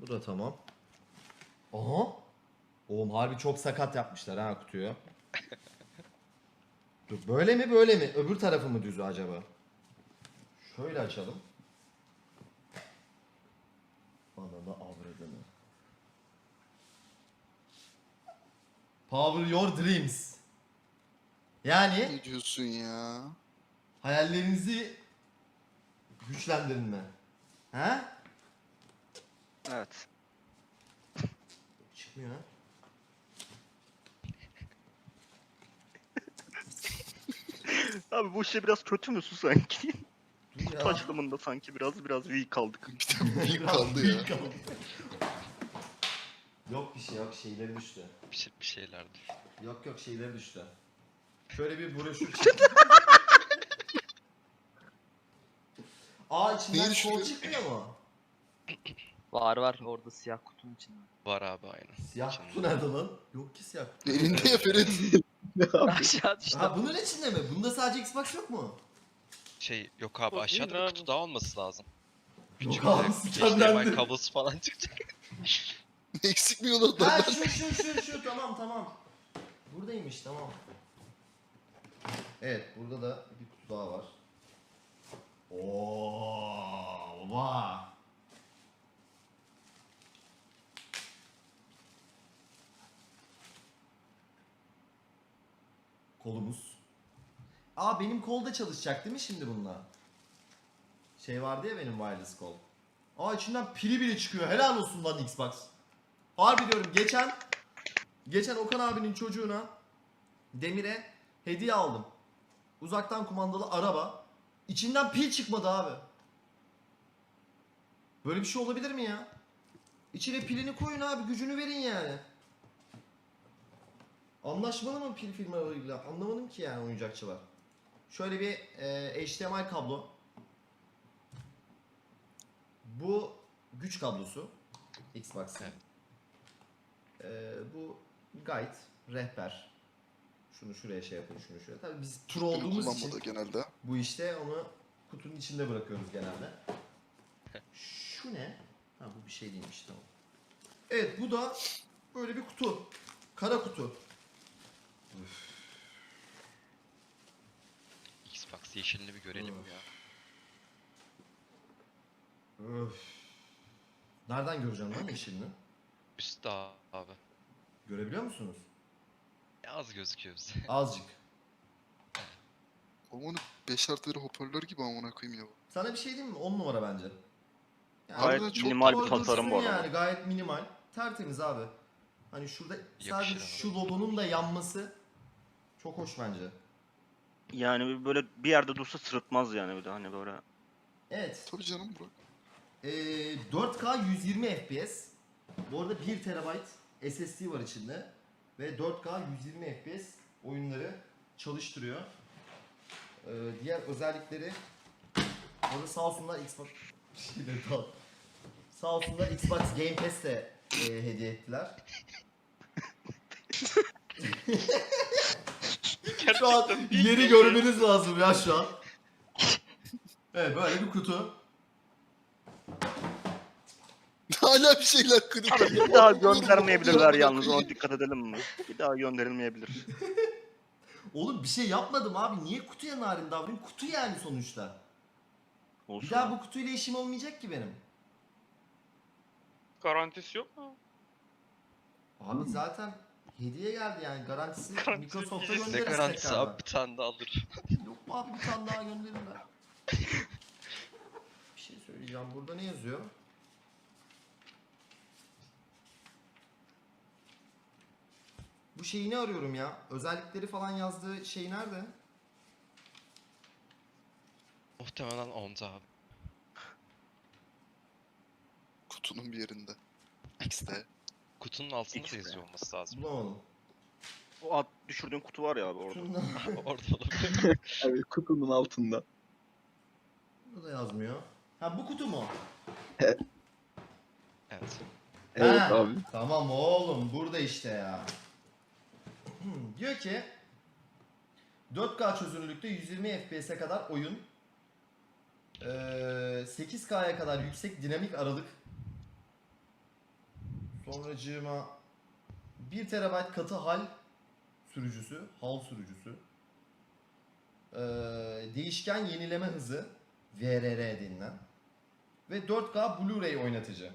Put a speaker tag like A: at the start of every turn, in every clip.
A: Bu da tamam. Aha. Oğlum harbi çok sakat yapmışlar ha kutuyu. Dur böyle mi böyle mi? Öbür tarafı mı düzü acaba? Şöyle açalım. Bana da avradını. Power your dreams. Yani
B: Ne diyorsun ya?
A: hayallerinizi güçlendirin mi? He?
C: Evet.
A: Çıkmıyor ha.
C: Abi bu şey biraz kötü müsün sanki?
A: Dur ya.
C: Kutu açılımında sanki biraz weak kaldık.
B: Bir de büyük
A: Biraz
B: kaldı ya.
A: büyük kaldı. Yok bir şey yok, şeyleri düştü.
D: Bir şeylerdi.
A: Yok yok, şeyleri düştü. Şöyle bir broşür çıktı. Aa, içinden
B: Neyi
A: kol
B: düşürüyor?
A: çıkmıyor mu?
E: Var orada siyah kutunun içinde.
D: Var abi aynen.
A: Siyah
D: İçinde.
A: kutu nerede lan? Yok ki siyah kutu.
B: Elinde ya Ferit.
E: Aşağı düştü.
A: Ha, bunun içinde mi? Bunda sadece Xbox yok mu?
D: Şey yok abi,
E: Yok,
D: aşağıda
E: değil
D: bir
E: abi.
D: kutu daha olması lazım.
A: Yok
D: Küçük
A: abi,
D: bir
A: sistemlendi.
D: HDMI kablosu falan çıkacak.
B: Eksik mi yolu
A: Ha,
B: adamlar?
A: şu tamam. Buradaymış, tamam. Evet, burada da bir kutu daha var. Oo, baba. Kolumuz. Aa, benim kolda çalışacak değil mi şimdi bununla? Şey vardı ya benim wireless kol. Aa, içinden pili bile çıkıyor. Helal olsun lan Xbox. Harbi diyorum, geçen Okan abinin çocuğuna, Demir'e hediye aldım. Uzaktan kumandalı araba. İçinden pil çıkmadı abi. Böyle bir şey olabilir mi ya? İçine pilini koyun abi, gücünü verin yani. Anlaşmalı mı pil firmalarıyla? Anlamadım ki yani oyuncakçılar. Şöyle bir HDMI kablo. Bu güç kablosu. Xbox'ın. Bu guide, rehber. Şunu şuraya şey yapın, şunu şuraya. Tabii biz tur olduğumuz için
B: Kullanmadı genelde.
A: bu işte onu kutunun içinde bırakıyoruz genelde. Şu ne? Ha, bu bir şey değilmiş, tamam. Evet, bu da böyle bir kutu. Kara kutu.
D: Xbox yeşilini bir görelim
A: Of.
D: ya.
A: Öf. Nereden göreceğim lan yeşilini?
D: Üstte abi.
A: Görebiliyor musunuz?
D: Az gözüküyor bize.
A: Azıcık.
B: Olmanın 5 artıları hoparlör gibi amına koyayım ya.
A: Sana bir şey diyeyim mi? 10 numara bence. Yani
C: Gayet
B: Harbiden çok
C: minimal bir
A: koydursun
C: tasarım bu arada.
A: yani, gayet minimal. Tertemiz abi. Hani şurada sadece
D: Yakışır
A: şu
D: abi.
A: logonun da yanması çok hoş bence.
C: Yani böyle bir yerde dursa sırıtmaz yani bir de hani böyle.
A: Evet.
B: Tabii canım Burak.
A: 4K 120 FPS. Bu arada 1 TB SSD var içinde. Ve 4K 120 FPS oyunları çalıştırıyor. Diğer özellikleri, orada sağ olsunlar Xbox sağ olsunlar Xbox Game Pass de hediye ettiler. Şu an yeri görmeniz lazım ya şu an. Evet, böyle bir kutu.
B: Hala bir şeyler kırık.
C: Abi bir daha göndermeyebilirler yalnız, ona dikkat edelim mi? Bir daha gönderilmeyebilir.
A: Oğlum bir şey yapmadım abi. Niye kutuya narin davranayım? Kutu yani sonuçta.
C: Olsun.
A: Bir daha bu kutuyla işim olmayacak ki benim.
F: Garantisi yok mu?
A: Abi zaten hediye geldi yani. Garantisi
F: Garantisi
A: Microsoft'a
F: diyeceğiz.
D: Ne
A: göndeririz
D: garantisi
A: tekrardan.
D: abi, bir tane daha alır.
A: Yok abi, bir tane daha gönderirler. Bir şey söyleyeceğim. Burada ne yazıyor? Bu şeyini arıyorum ya. Özellikleri falan yazdığı şey nerede?
D: Muhtemelen onda abi.
B: Kutunun bir yerinde. X'de.
D: Kutunun altında da
C: X'de.
D: yazıyor olması lazım.
A: Bulamadım.
C: O at düşürdüğün kutu var ya abi orada.
A: Şunda,
D: Orada olabilir.
E: Evet, kutunun altında.
A: burada yazmıyor. Ha, bu kutu mu?
D: Evet.
E: Evet
A: Ha,
E: abi.
A: tamam oğlum, burada işte ya. Diyor ki 4K çözünürlükte 120 FPS'e kadar oyun, 8K'ya kadar yüksek dinamik aralık, Sonracığıma 1 TB katı hal sürücüsü, hal sürücüsü. Değişken yenileme hızı, VRR denilen. Ve 4K Blu-ray oynatıcı.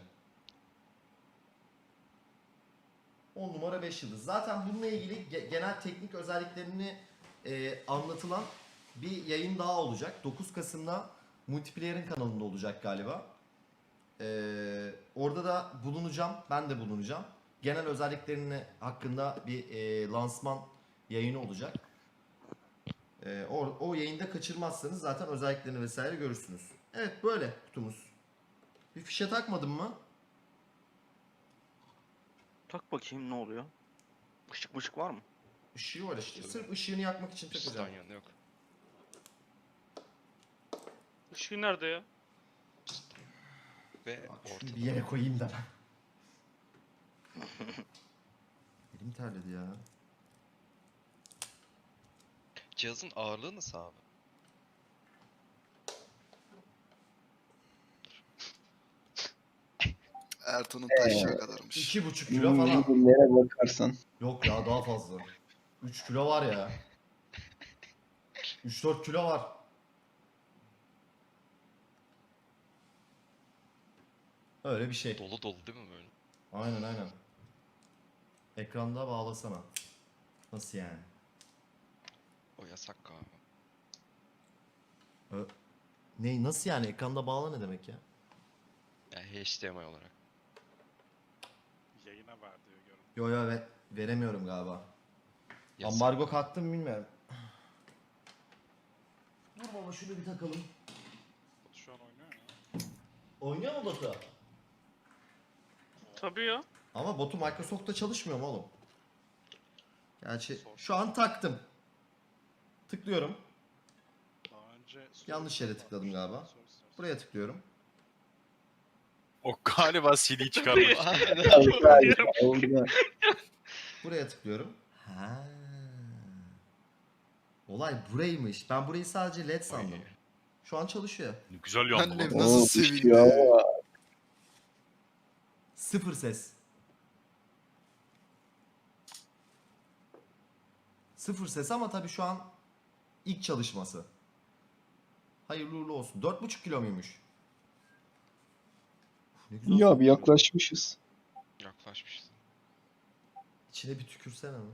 A: 10 numara 5 yıldız. Zaten bununla ilgili genel teknik özelliklerini anlatılan bir yayın daha olacak. 9 Kasım'da Multiplayer'in kanalında olacak galiba. Orada da bulunacağım. Ben de bulunacağım. Genel özelliklerini hakkında bir lansman yayını olacak. O yayında kaçırmazsanız zaten özelliklerini vesaire görürsünüz. Evet, böyle kutumuz. Bir fişe takmadın mı?
C: Tak bakayım ne oluyor. Işık var mı?
A: Işığı var işte. Sırf ışığını yakmak için takacağım.
D: Üstten yanı yok.
F: Işığı nerede ya?
D: Ve
A: Bak şunu
D: ortada.
A: bir yere koyayım da ben. Elim terledi ya.
D: Cihazın ağırlığı nasıl abi?
B: Ertan'ın taşıya kadarmış.
A: 2,5 kilo falan.
G: Nereye bakarsan.
A: Yok ya, daha fazla. 3 kilo var ya. 3-4 kilo var. Öyle bir şey.
D: Dolu dolu değil mi böyle?
A: Aynen aynen. Ekranda bağlasana. Nasıl yani?
D: O yasak galiba.
A: Ne, nasıl yani? Ekranda bağla ne demek ya?
D: Yani HDMI olarak.
F: Yayına var diyor görün.
A: Yo yo, veremiyorum galiba.
D: Yasak.
A: Ambargo kalktı mı bilmiyorum. Dur baba, şunu bir takalım.
F: Şu an oynuyor ya.
A: Oynuyor mu botu?
F: Tabii ya.
A: Ama botu Microsoft'ta çalışmıyor mu oğlum? Gerçi şu an taktım. Tıklıyorum.
F: Daha önce
A: Yanlış yere tıkladım galiba. Buraya tıklıyorum.
H: O galiba CD çıkarmış.
G: Orada.
A: Buraya tıklıyorum. Ha. Olay buraymış. Ben burayı sadece LED sandım.
D: Oy.
A: Şu an çalışıyor.
H: Güzel
B: Ben
H: yandı
B: de
H: lan.
B: nasıl
G: Oo,
B: sevindi.
G: düşüyor ama.
A: Sıfır ses. Sıfır ses ama tabii şu an ilk çalışması. Hayırlı uğurlu olsun. 4,5 kilo muymuş? Uf, ne güzel
G: Ya bir
A: sokuyor.
G: yaklaşmışız.
D: Yaklaşmışız.
A: İçine bir tükürsene mi?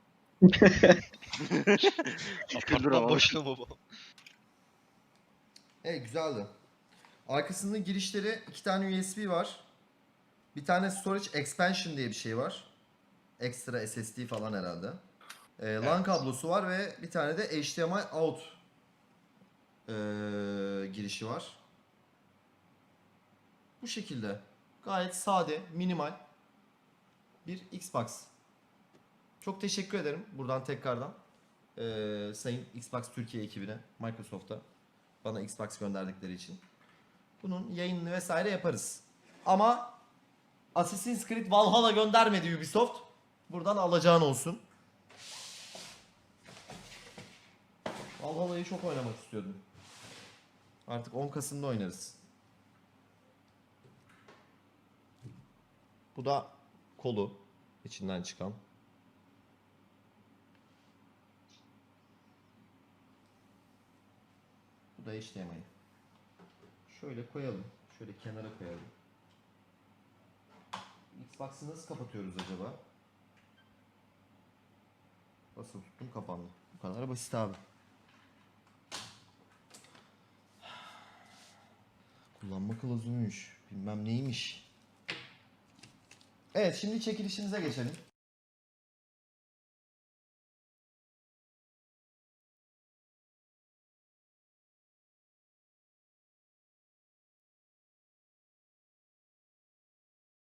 D: Apartman boşuna baba.
A: Evet, güzeldi. Arkasında girişleri 2 tane USB var. Bir tane storage expansion diye bir şey var. Ekstra SSD falan herhalde. LAN kablosu var ve bir tane de HDMI out girişi var. Bu şekilde. Gayet sade, minimal bir Xbox. Çok teşekkür ederim buradan tekrardan. Sayın Xbox Türkiye ekibine, Microsoft'a bana Xbox gönderdikleri için. Bunun yayınını vesaire yaparız. Ama Assassin's Creed Valhalla göndermedi Ubisoft. Buradan alacağın olsun. Valhalla'yı çok oynamak istiyordum. Artık 10 Kasım'da oynarız. Bu da kolu içinden çıkan. Bu da HDMI. Şöyle koyalım. Şöyle kenara koyalım. Xbox'ı nasıl kapatıyoruz acaba? Basılı tuttum, kapandı. Bu kadar basit abi. Kullanma kılavuzuymuş. Bilmem neymiş. Evet, şimdi çekilişimize geçelim.